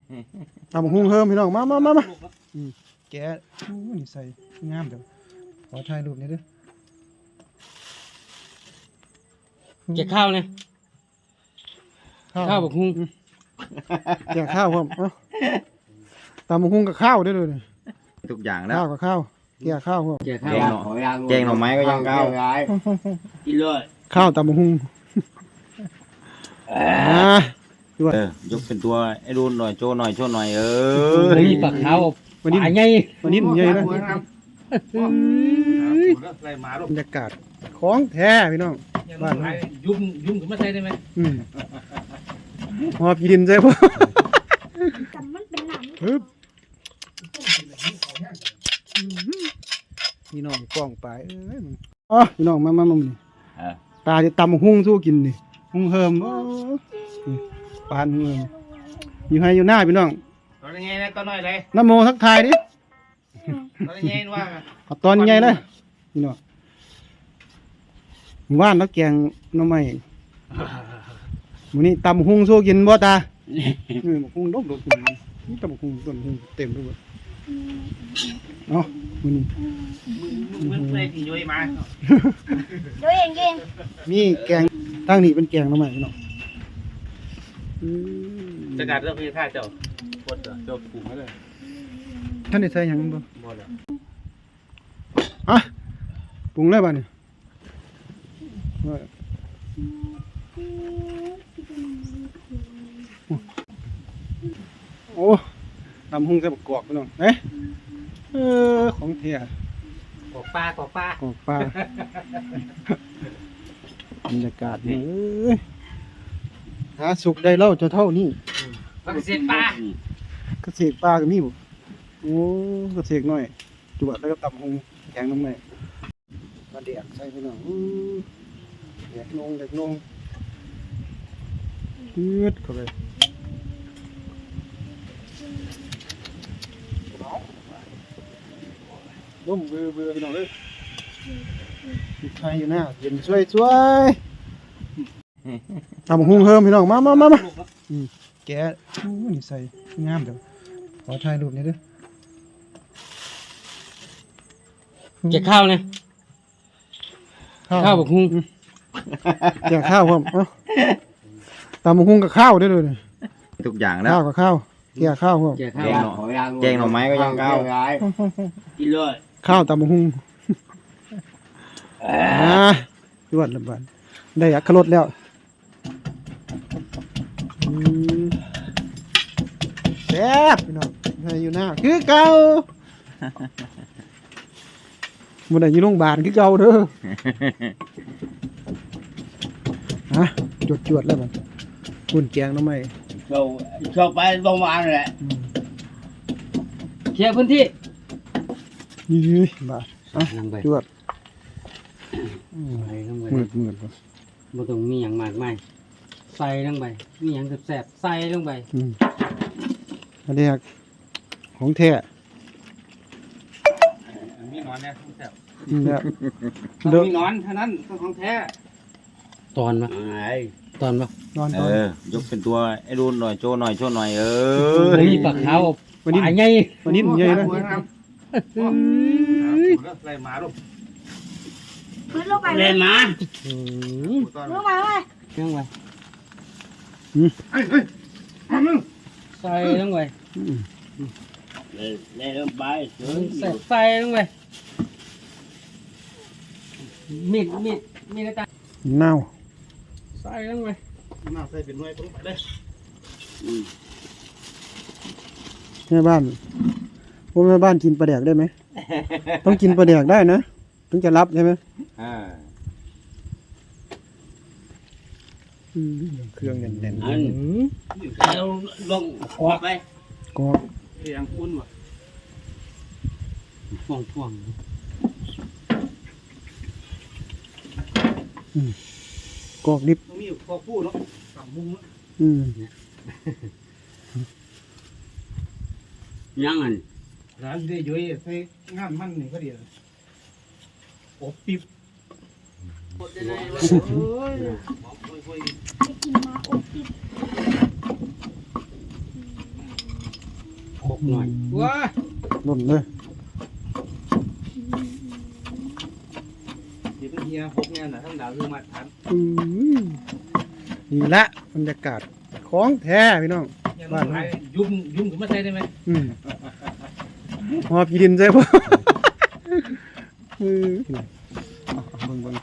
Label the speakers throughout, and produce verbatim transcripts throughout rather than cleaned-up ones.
Speaker 1: ตำหุ้งเฮิมพี่น้องมามามามาแกะนี่ใส่งามเดี๋ยวขอถ่ายรูปนี้ด้วย
Speaker 2: แกะข้าวเนี่ยข้าวบักฮุ้ง
Speaker 1: แกะข้าวครับตำหุ้งกับข้าวด้วยเลย
Speaker 3: ทุกอย่างแล้ว
Speaker 1: ข้าวกับข้าวแกะข้าวครับ
Speaker 2: แกะข้าว
Speaker 3: แกงหน่อไม้ก็ยังข้าว
Speaker 2: กินเลย
Speaker 1: ข้าวตำหุ้งอ่า
Speaker 3: เออยกเป็นตัวไอ้ดูหน่อยโชว์หน่อยโชว์หน่อยเออ
Speaker 2: มีปลาขาววันนี้ไง
Speaker 1: วันนี้ใหญ่นะบรรยากาศของแท้พี่น้องบ้าน
Speaker 2: ยุ่งยุ่งกับมาใส่ได้ไหม
Speaker 1: อืมหอบกินใช่ปะ
Speaker 4: แต่มันเป็นหนัง
Speaker 1: ฮึบพี่น้องกล้องไปเอ้ยอ๋อพี่น้องมามามานี่ตาจะตำหุ้งสู้กินนี่หุ้งเฮิมโอ้ปานหุ้งเฮิมอยู่ให้อยู่หน้าพี่น้อง
Speaker 2: ตอนนี้นะตอนน้อยเลย
Speaker 1: น้ำโมทักทายดิ
Speaker 2: ตอนนี้ว่า
Speaker 1: เอาตอนใหญ่เลยพี่น้องหมู่บ้านแล้วแกงหน้ำไม้มื้อนี้ตำหุ้งสู้กินบ่ตาเออหุ้งดกดกนี่ตำหุ้งต้นหุ้งเต็มไปหมดเนาะมื้อนี้
Speaker 2: มึงเลยที่ย้อยมา
Speaker 4: ด้วยเองเอง
Speaker 1: มีแกงตั้งนี่เป็นแกงหน้ำไม้พี่น้อง
Speaker 2: จะการเรื่องพี่ท่าเจ้าปวดเจ้าปรุงให้เลย
Speaker 1: ท่านได้ใส่หยังบ่
Speaker 2: บ่แล้ว
Speaker 1: อ่ะปรุงเลยบ้านี่โอ้ตำหุ้งใส่บักกอกพี่น้องเอ๊ะเออของเทีย
Speaker 2: กอกปลากอกปลาก
Speaker 1: อกปลาบรรยากาศนี่เอ้ยหาสุกได้เล่าจะเท่านี้
Speaker 2: ปลาเกษตรปลา
Speaker 1: เกษตรปลาก็มีบ่โอ้เกษตรน้อยจวดแล้วก็ตำหุ้งแกงน้ำไม้ปลาเดียกใส่พี่น้องอื้อเด็กนงเด็กนงยืดเข้าไปร่มเบื่อเบื่อพี่น้องเลยใครอยู่หน้าเย็นช่วยช่วยทำหุ้งเฮิมพี่น้องมามามามาแกะนี่ใส่งามเดี๋ยวขอถ่ายรูปนี้ด้วย
Speaker 2: แกะข้าวเนี่ยข้าวบักฮุ้ง
Speaker 1: แกะข้าวครับตำหุ้งกับข้าวด้วยเลย
Speaker 3: ทุกอย่างแล้ว
Speaker 1: ข้าวกับข้าวแกะข้าวครับ
Speaker 2: แกะ
Speaker 3: แก
Speaker 2: ข้าว
Speaker 3: งหน่อแกงหน่อไม้ก็ยังข้าว
Speaker 2: กินเลย
Speaker 1: ข้าวตำหุ้งอ่าจวดละบาดได้อักขรสแล้วอืมแซ่บพี่น้องให้อยู่หน้าคือเก่ามันได้อยู่โรงพยาบาลคือเก่าเด้อฮะจวดจวดแล้วมันคุณแกงน้ำไหม
Speaker 2: เราชอบไปโรงพยาบาลแหละเคลียร์พื้นที่
Speaker 1: ยี่บาทอ่ะ
Speaker 2: ลงไป
Speaker 1: จวด
Speaker 2: ไปลงไป
Speaker 1: มืดมืด
Speaker 2: บ่ต้องมีหยังมากมายใส่ลงไปมีหยังแซ่บๆใส่ลงไป
Speaker 1: อืมอันนี้ของแท้
Speaker 2: มีนอนเนี่ยแซ่บ
Speaker 1: เนี่ย
Speaker 2: ต้องมีนอนเท่านั้นของแท้ตอนปะตอนปะ
Speaker 1: นอน
Speaker 3: เอ
Speaker 1: ตอน
Speaker 3: อยกเป็นตัวไอ้ดูหน่อยโชว์หน่อยโชว์หน่อยเออ
Speaker 2: มีปลาขาวปลาใหญ่
Speaker 1: วันนี้ใหญ่นะ
Speaker 2: อะไรมาลูก
Speaker 4: พื้นลงไป
Speaker 2: เล่นมา
Speaker 4: ลงไปเลย
Speaker 2: ลงไปใส่ลงไป
Speaker 3: เล่นไป
Speaker 2: ใส่ใส่ลงไปมีดมีดมีดตา
Speaker 1: เน่า
Speaker 2: ใส่ลงไป
Speaker 1: น่าใส่เป็นหน่วยลงไปเลยแม่บ้านพวกแม่บ้านกินปลาแดกได้ไหม ต้องกินปลาแดกได้นะถึงจะรับใช่ไหม
Speaker 3: อ่า
Speaker 1: อืมเครื่องแน่น
Speaker 2: อันเราลงออกไป
Speaker 1: ๆก็
Speaker 2: เสียงคุ้นว่ะฟ่วงฟ่วง
Speaker 1: กอกดิบ
Speaker 2: มีพอพูดเนาะสามมุม
Speaker 1: อืม
Speaker 2: ยังอัน
Speaker 5: ร้านได้ย้อยใส่งานมันนี่ก็ดีอบปิ๊บ
Speaker 4: ไปกินมาอบปิด
Speaker 2: บกหน่อยว้า
Speaker 1: หล่นเลย
Speaker 5: เดี๋ยวเฮียหกเนี่ยนะทั้งดาวคือมาทัน
Speaker 1: อืมนี่ละบรรยากาศของแท้พี่น้อง
Speaker 5: บ้านไหนยุ่มยุ่มก็ไม่ใช่ได้ไหม
Speaker 1: อืมหอพี่ดินใช่ปะเออเอาเอาเบิ่งเบิ่ง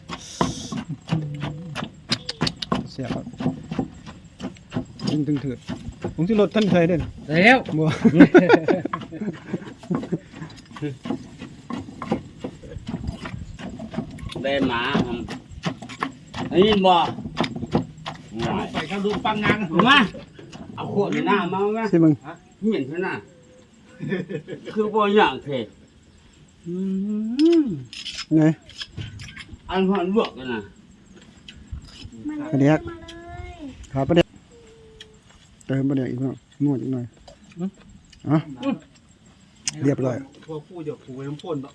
Speaker 1: เสียบครับตึงตึงเถื่อนผมที่รถท่านเคยเด่น
Speaker 2: แล้ว
Speaker 1: บัว
Speaker 3: ได้หมาครับไอ้ยินบ่
Speaker 5: ไปเข้าดูปังงาน
Speaker 3: มาเอาขวดหน้ามาไหม
Speaker 1: ใช่มึง
Speaker 3: เหม็นขนาดคือบ่อย่างเท
Speaker 1: ไง
Speaker 3: อันพันบวกกันนะ
Speaker 4: มาเลย
Speaker 1: กระเดียก
Speaker 4: มาเลย
Speaker 1: ขาประเดี๋ยวเติมประเดี๋ยวอีกหน่อยนวดอีกหน่อยเอ่ะเรียบร้อย
Speaker 5: พวกผู้หยกผู้ไว้น้ำพ่นเนาะ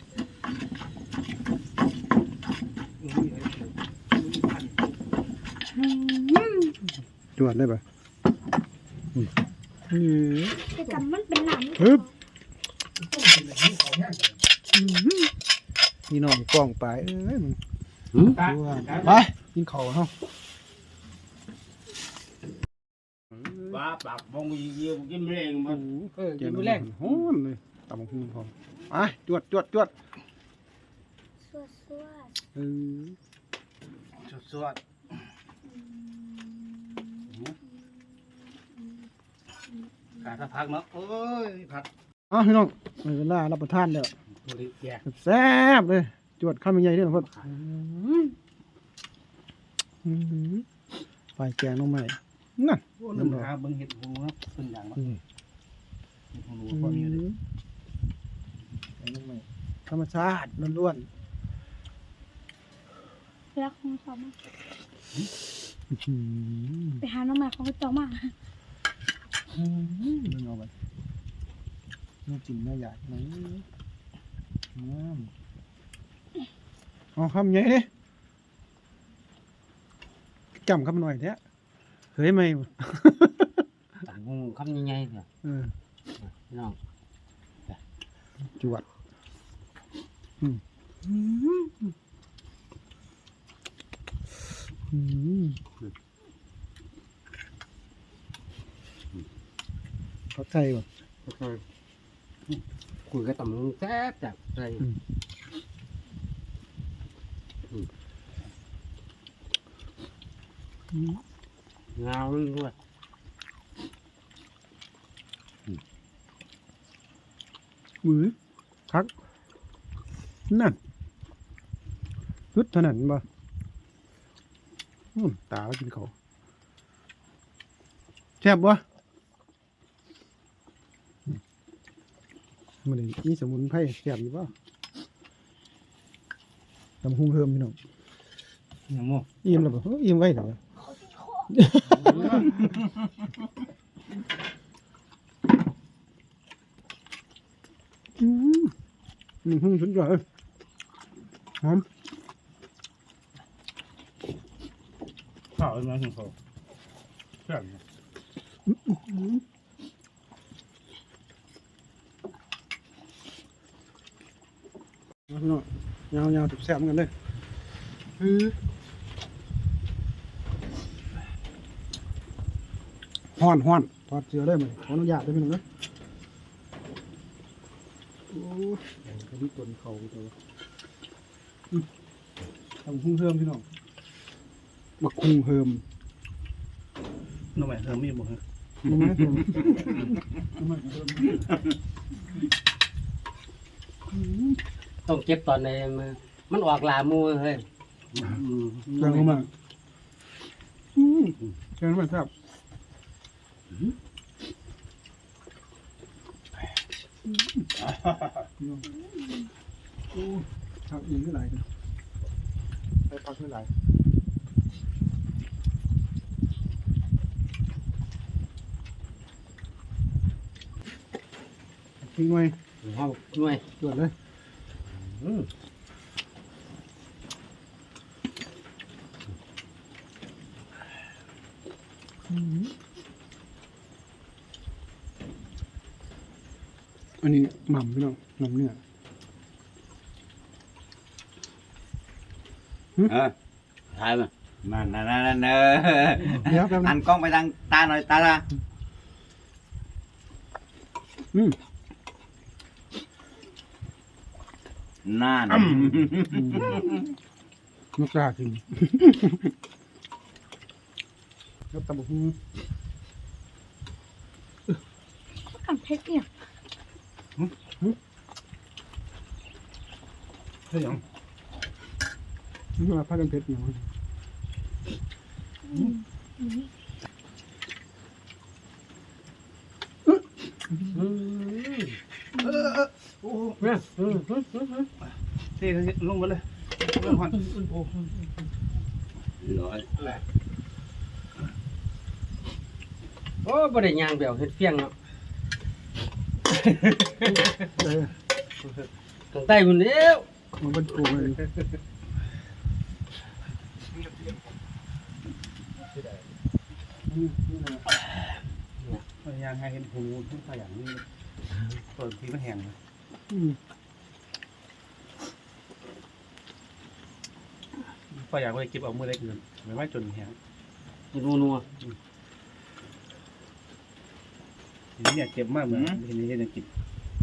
Speaker 1: จวดได้ปะอืม
Speaker 4: แต่จำมันเป็นหนัง
Speaker 1: ฮึบนี่น้องกล้องไปเอ้ยมึง
Speaker 5: ตา
Speaker 1: ไปกินข้าวเฮา
Speaker 3: ว่าปากบงเยี่ยวกินแรงมัน
Speaker 5: เออกินมื้อแรก
Speaker 1: ฮ้อนเลยตำบักหุ่งพร้อมไปจวดจวดจวด
Speaker 4: สวดสวด
Speaker 1: เออ
Speaker 5: สวดการถ้าพักเนาะโอ้ยพัก
Speaker 1: เอ้าพี่น้องในเวลารับประทานแล้ว
Speaker 5: บริแก
Speaker 1: แซ่บเลยจวดข้าวมันใหญ่เด้อพ่ออื้อหือไฟแกงน้องใหม่นั่น
Speaker 5: โอ้น้ำหาเบิ่งเห็ดหูเนาะเป็นอย่างเนาะ
Speaker 1: อืม
Speaker 5: เห็ดหูพอมีเลย
Speaker 1: แกงน้องใหม่ธรรมชาติล้วน
Speaker 4: รักของเขามาก
Speaker 1: ๆอื้อหือ
Speaker 4: ไปหาน้องใหม่ของเขาต่อมา
Speaker 1: อืมมึงเอาไปน่ากินน่าอยากไหมน้ำเอาคำใหญ่ดิจำคำหน่อยเถอะเฮ้ยไม่
Speaker 2: ตังคงคำยังไงเถอะ
Speaker 1: เออ
Speaker 2: น้อง
Speaker 1: จวดอืมอืมอืมเขาใจว่ะ
Speaker 2: คุยกับตำรวจแซ่บจับใจ
Speaker 1: อืม
Speaker 2: เงาด้วย
Speaker 1: มือคักนั่นฮึดเท่านั้นบ่อืมตาก็กินเขาวแซ่บบ่มันนี่มีสมุนไพรแซ่บอยู่บ่ตำหุงเพิ่มพี่น้อง
Speaker 5: อย่างโม่
Speaker 1: อิ่มแล้วบ่เอ้ยอิ่มไว้แล้วบ่อืมอืมสุดยอดเลยหอม
Speaker 5: ข้าวเป็นไงของเขาแซ่บ
Speaker 1: พี่น้องยาวยาวๆแซ่บๆเหมือนกันเลยอือฮ้อนฮ้อนถอดเสื้อได้ไหมขออนุญาตได้ไหมน้องเด้อโอ้ยเดี๋ยวก็มีต้นเขาตัวอืมทำคุ้งเฮิมพี่น้องบักคุ้งเฮิม
Speaker 5: น้องใหม่เธอมีบ่ฮะ
Speaker 1: รู้ไหมเฮิมรู้ไหมเฮิมอืม
Speaker 2: ต้องเก็บตอนในมือมันออกลามูเฮ้ย
Speaker 1: แกงเข้ามาอืมแกงเข้ามาแซ่บโอ้ชักอินก็ไหลายกันไปพักก็ไหลายทิ้งไว้
Speaker 2: ห้องหน่วย
Speaker 1: ตรวจเลย
Speaker 2: อืม
Speaker 1: อืมอันนี้หม่ำพี่น้องหม่ำเนื้อ
Speaker 3: เออ
Speaker 2: ถ่ายมา
Speaker 3: นั่นนั่นนั่นเออ
Speaker 1: เดี๋ยวแป๊บนึ
Speaker 3: หั
Speaker 1: ง
Speaker 3: นกล้องไปทางตาหน่อยตาตา
Speaker 1: อืม
Speaker 3: นั่น
Speaker 1: ไม่กล้ากินแล้วตำบักหุ่ง
Speaker 4: กับเพชรเนี่ย
Speaker 5: เฮ้ยหยัง
Speaker 1: นี่ว่าผ้ากันเพชรอย่าง
Speaker 5: โอ้โห
Speaker 1: เนี่ย
Speaker 5: เท่ลงมาเลยเรื่องหอนโอ้
Speaker 2: ร้อยโอ้บ่ได้ย่างแบบเฮ็ดเฟียงเนาะ
Speaker 1: เออ
Speaker 2: ทางใต้พุ่นเด้ว
Speaker 1: มันเป็นโกงเลย
Speaker 5: พยายามให้เห็นหูทุกอย่างนี่เปิดทีมันแห้งเลย
Speaker 1: อืม
Speaker 5: พยายามไปเก็บเอามือเล็กเงินไม่ว่าจนแห้ง
Speaker 2: เฮ็ดนัว
Speaker 5: ทีนี้เนี่ยเจ็บมากเหมือนทีนี้ยังกิน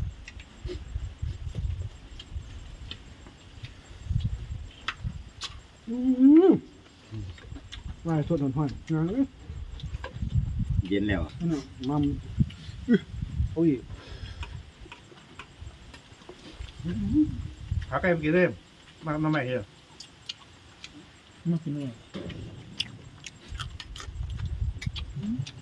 Speaker 1: อืมว่าสดหอนๆนะเอ้ย
Speaker 3: เย็นแล้ว
Speaker 1: นั่นน่ะมัมอื้อโอ้ย
Speaker 5: หาไก่ไปกินได้มามาใหม่เหรอ
Speaker 1: มากินเลย